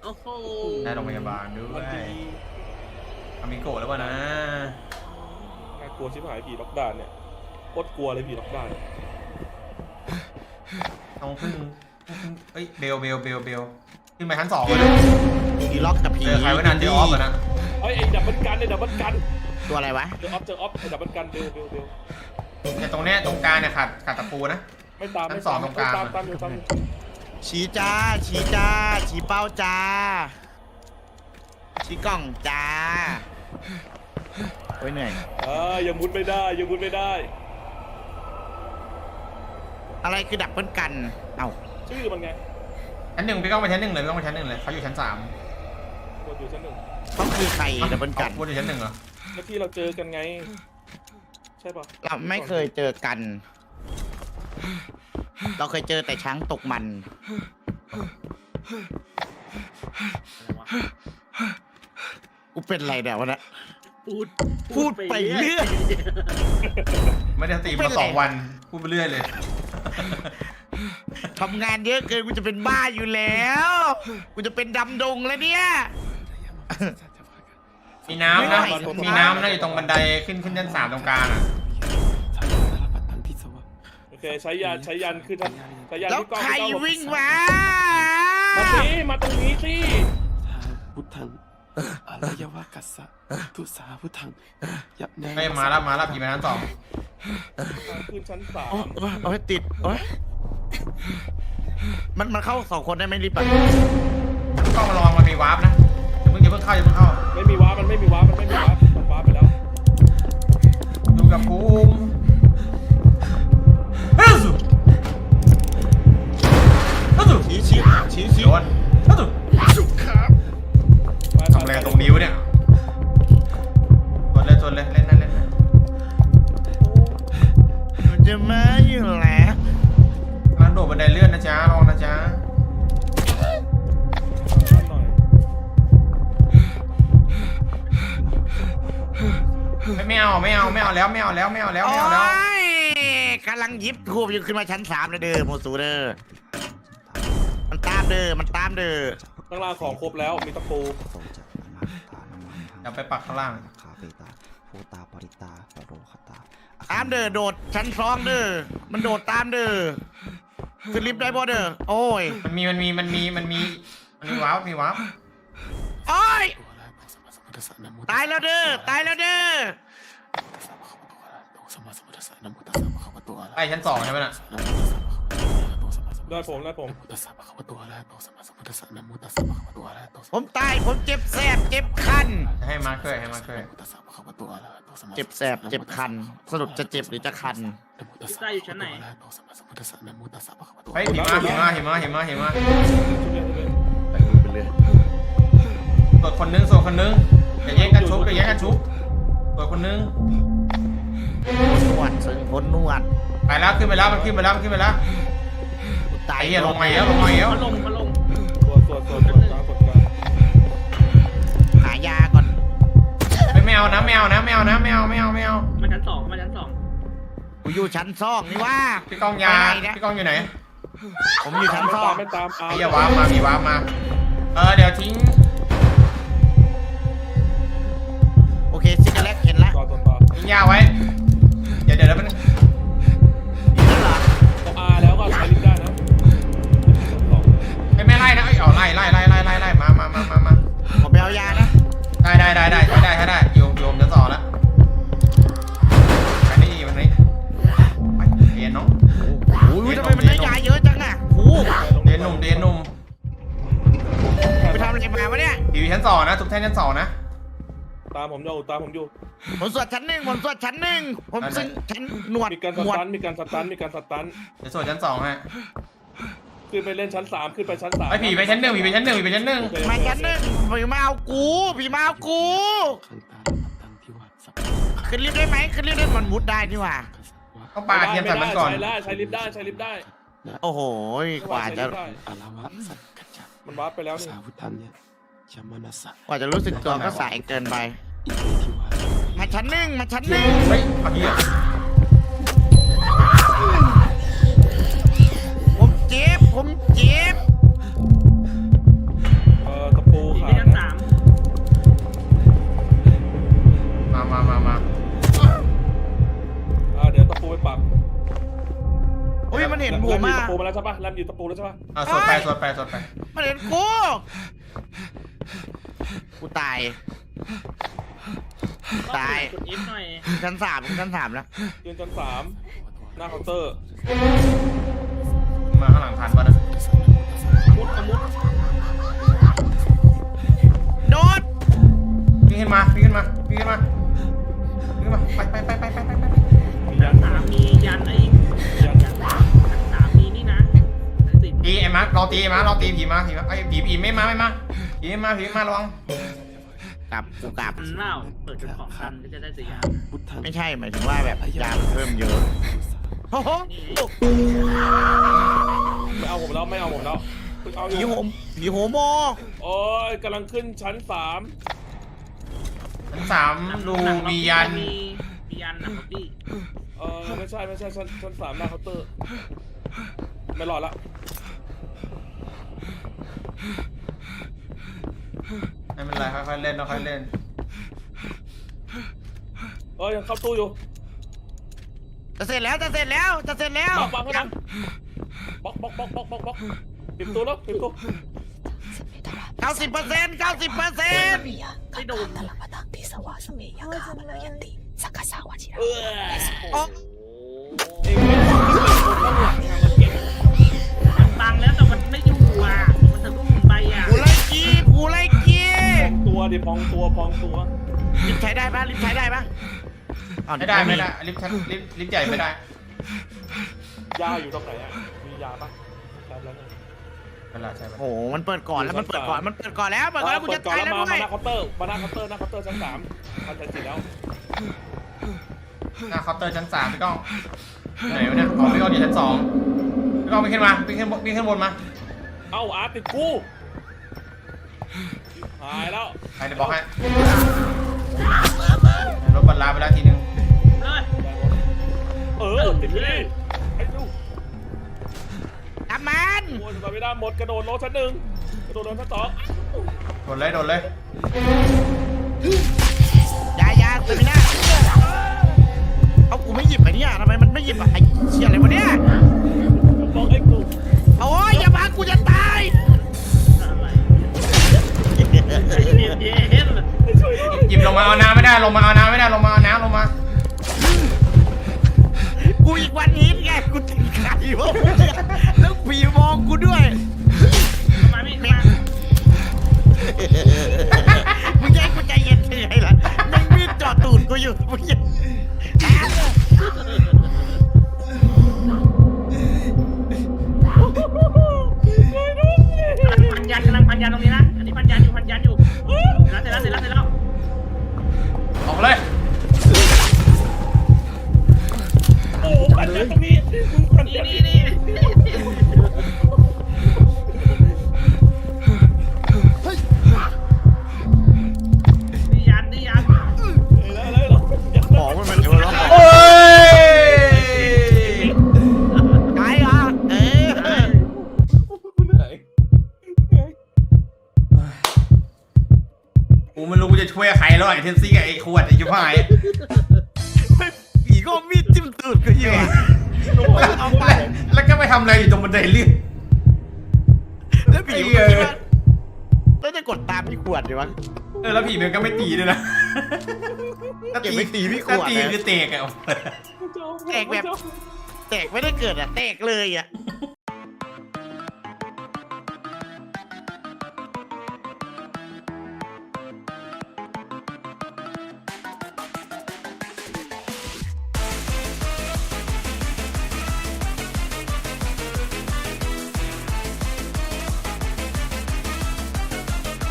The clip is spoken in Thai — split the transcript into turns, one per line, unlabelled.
อ้โห
ได้โรงพยาบาลด้วยอามิโกะแล้ววะนะ
น่ากลัวชิบหายผีล็อกดาวน์เนี่ยโคตรกลัวเลยผีล็อกดาวน์
ต้องพึ่งเฮ้ยเบลขึ้นไปชั้น2เลย
ผีล็อกกับผี
เจอใครวะนั่นเจอออฟเหรอนะ
ไอ้ดับเบิลกันไอ้ดับเบิลกัน
ตัวอะไรวะ
เจอออฟไอ้ดับเบิลกันเบล
แต่ตรงเนี้ยตรงกลางเนี่ยขาดตะปูนะ
ไม่ตาม
ชั้นสองตรงกลาง
ตามอยู่
ชี้จ้าชี้เป้าจ้าชี้กล่องจ้าโอ้ยเหนื่อย
ยังมุดไม่ได้ยังมุดไม่ได้
อะไรคือดับเบิลกันเอ้า
ชื่อมันไง
ชั้น 1พี่ก้องไปชั้น 1เลยพี่ก้องไปชั้น 1เลยเขาอยู่ชั้น 3
กดอยู่ชั้น 1
เขาคือใครดับเบิลกัน
วนอยู่ชั้น 1เหรอ
เมื่อกี้เราเจอกันไงใช่ปะ
เราไม่เคยเจอกัน เราเคยเจอแต่ช้างตกมันกูเป็นไรเดี๋ยววะนะพูดไปเรื่อย
ไม่ได้สตรีมมา2 วันพูดไปเรื่อยเลย
ทำงานเยอะเกินกูจะเป็นบ้าอยู่แล้ว กูจะเป็นดำดงแล้วเนี่ย
มีน้ำนะมีน้ำนะอยู่ตรงบันไดขึ้นชั้น 3ตรงกลางอ่ะ
โอเคใช้ยันคือใช้ยัน
แล้ว
ที่กล้อง
ใครวิ่งมา
มาตรงนี้สิ
พุทธังอารยวะกัสสะทุสาพุทธังยับแน
ไม่มาแล้วผีมาชั้น 2
ขึ้นชั้น
โอ้ยติดโอ้ยมันเข้า2 คนได้ไหมรีบไป
กล้องมาลองมันมีวาร์ปนะอย่าเพิ่งเข้า
ไม่มีวาร์ปมันไม่มีวาร์ปมันวาร์ปไปแล้ว
ดูกับภูมิเฮ้ย
ชี้
โดนทำอะไรตรงนิ้วเนี่ยจนเลยเล่นนะ
มันจะมาอยู่แล้ว
กำลังโดดบันไดเลื่อนนะจ๊ะลองนะจ๊ะ
หน่อย
ไม่เอาแล้ว
โอ้ยกำลังยิบทูบอยู่ขึ้นมาชั้น 3เลยเด้อโมซูเด้อมันตามเด้อ
ข้างล่างของครบแล้วมีตะปู
อย่าไปปักข้างล่าง
ตามเด้อโดดชั้น2เด้อมันโดดตามเด้อขึ้นลิฟต์ได้บ่เด้อโอ้ย
มันมีวาร์ป
โอ้ยตายแล้วเด้อ
ไอ้ชั้น 2ใช่ไหมน่ะ
ได้ผม
ผมตายผมเจ็บแสบเจ็บคัน
ให้มาเคย
เจ็บแสบเจ็บคันสรุปจะเจ็บหรือจะคัน
ใต้อยู่ชั้นไหน
เฮ้ยหิมะตรวจคนนึงอย่าแย่งกันชุบตรวจคนนึง
นวดซึ่งพ้นนวด
ไปแล้วขึ้นไปแล้วมันขึ้นไปแล้ว
ตาย
ไอ้เหี้ยลงมาแล้ว
มาลง
ตรวจกลาง
หายาก่อน
ไม่เอานะ
มาชั้น 2
กูอยู่ชั้น2นี่ว่า
พี่กองอยู่ไหน
ผมอยู่ชั้น2
ไม่ตาม
ไอ้เหี้ยวาร์ปมามีวาร์ปมาเดี๋ยวทิ้ง
โอเคซิกาเล็กเห็นแล้ว
ต่อ
ทิ้งยาไว้เดี๋ยวมัน
นี่แล้วเหรอ
ต้องแล้วก็ใช้ลิฟต์ได้นะ
ไม่ไล่นะเอาไล่มา
ผมไปเอายานะ
ได้โยมจะต่อแล้วไปนี่ไปเรียนน้อง
โอ้ยทำไมมันได้ยาเยอะจังอ่ะโอ้
เรียนหนุ่ม
ไปทำอะไรมาวะเนี่ย
อยู่ชั้น 2นะทุกท่านชั้น 2นะ
ตามผมอยู่
ผมสวดชั้น 1ผมซึ่งชั้นหนวด
มีการสตัน
เดี๋ยวส่วนชั้น 2ฮะ
ขึ้นไปเล่นชั้น 3ขึ้นไปชั้น 3
ไอ้ผีไปชั้น 1
มาชั้น 1ผีมาเอากูขึ้นลิฟต์ได้ไหมมันมุดได้นี่หว่า
ต้องปาเทียมใส่มันก่อน
ใช้ลิฟต์ได้
โอ้โหกว่าจะ
อารวะสักกัจจ์
มันวาร์ปไปแล้วนี่
สาพุทธังเนี่ยชมานัสสะ
กว่าจะรู้สึกตัวก็สายเกินไป
อิเมทิวา
มาชั้นหนึ่ง
เฮ้ยเอาเหี้ย
ผมเจ็บ
ตะปูม
มา
ตะปูมาแล้วใช่ปะแรมอยู่ตะปูแล้วใช่ปะ
สวดไปสวดไปสวดไป
มันเห็นกูตาย ตาย
กด F หน่อย
ชั้นสามแล้ว
ยืนจน3หน้าเคาน์เตอร์
มาข้างหลังทันปะนะ
มุดขมุด
โดน
วิ่งขึ้นมาวิ่งขึ้นมาวิ่งขึ้นมาวิ่งขึ้นมาไป
ชั้นสามมียันไอ้ชั้นสามมีนี่นะสิบ
ตีไอ้มาร์ครอตีไอ้มาร์ครอตีผีมาผีมาไอ้ผีไม่มาผีมาระวัง
กูกลับ
มันเล่าเปิดเป็นของคันก็จะได้สียา
พุทธัง
ไม่ใช่หมายถึงว่าแบบยาเพิ่มเยอะโอ้โห
ไม่เอาผมแล้วไม่เอาผมแล้วเอาอ
ผี
ยู่
โหโม
โอ้ยกำลังขึ้นชั้น
ชั้นสามดูมียัน
มียันนะพี่
3ไม่ใช่ชั้น3หน้าเคาน์เตอร์ไม่รอดละ
ไม่เป็นไรค่อยๆเล่นค่อยๆเล่น
ยังเข้าตู้อยู่
จะเสร็จแล้ว
วางข้างหลังบล็อกปิดตู้แล้วปิดตู้
90%
ไม่โดน
โอ้
เองไม่ต้องคนข้างหลังเก็บ
มันบังแล้วแต่มันไม่อยู่อ่ะมันทะลุไปอ่ะ
กูไล่กี้
ตัวดิพองตัว
ลิฟต์ใช้ได้ปะอ้าว
ไม่ได้ลิฟต์ใหญ่ไม่ได้
ยาอยู่ตรงไหนอ่ะมียาปะแล้วไง
เวลาใช่ไหม
โอ้โหมันเปิดก่อนแล้วกูจะตายแล้วด้วย
มาหน้าเคาน์เตอร์ชั้น3พันใจสิแล้ว
หน้าเคาน์เตอร์ชั้น3พี่ก้องไหนวะเนี่ยอ๋อพี่ก้องอยู่ชั้น2พี่ก้องวิ่งขึ้นบนมา
เอ้าอาร์ติดกูหายแล้ว
ใครจะบอกให้รถบรรลาไปแล้วทีนึง
เลย
ติดพี่ไอ้ดู
ทำมัน
โอ้ยมาไม่ได้หมดกระโดดโลชั้น1กระโดดโลชั้น2
โดนเลย
ยาตื่นหน้าเอากูไม่หยิบไอ้เนี่ยทำไมมันไม่หยิบไอ้เชี่ยอะไรวะเนี่ย
บอกไอ้กู
โอ้ยอย่ามากูจะตาย
อะไรเย็น
หยิบลงมาเอาน้ำไม่ได้ลงมาเอาน้ำลงมา
กูอีกวันนี้ไงกูติดไข่วะแล้วผีมองกูด้วย
มาไม่มา
มึงแย่กูใจเย็นยังไงล่ะมึงมีดจ่อตูดกูอยู่มึงยัง
พันยันกำลังพันยันตรงนี้นะอันนี้พันยันอยู่เสร็จแล้ว
ออกเลย
โอ้ปันใจตรงนี้ปันใจ
นี่ยัน
แล้ว
หมอมันโดนแล้ว
โอ้ย
ตายเหรอ
เห
เออ
นื่อย
กูไม่รู้กูจะช่วยใครแล้วไอ้เทนซี่กับไอ้ขวดไอ้ชิบหาย
ผีก็มีดจิ้มตูดกูอยู่
แล้วก็ไปทำอะไรอยู่ตรงบันไดเลื่อน
แล้วผีมันคิดว่าแล้วจะกดตามพี่ขวดดีวะ
แล้วผีมันก็ไม่ตีด้วยนะ
เก็บไปตีพี่ขวด
ตีคือเตะอะ
แตกแบบแตกไม่ได้เกิดอ่ะแตกเลยอ่ะ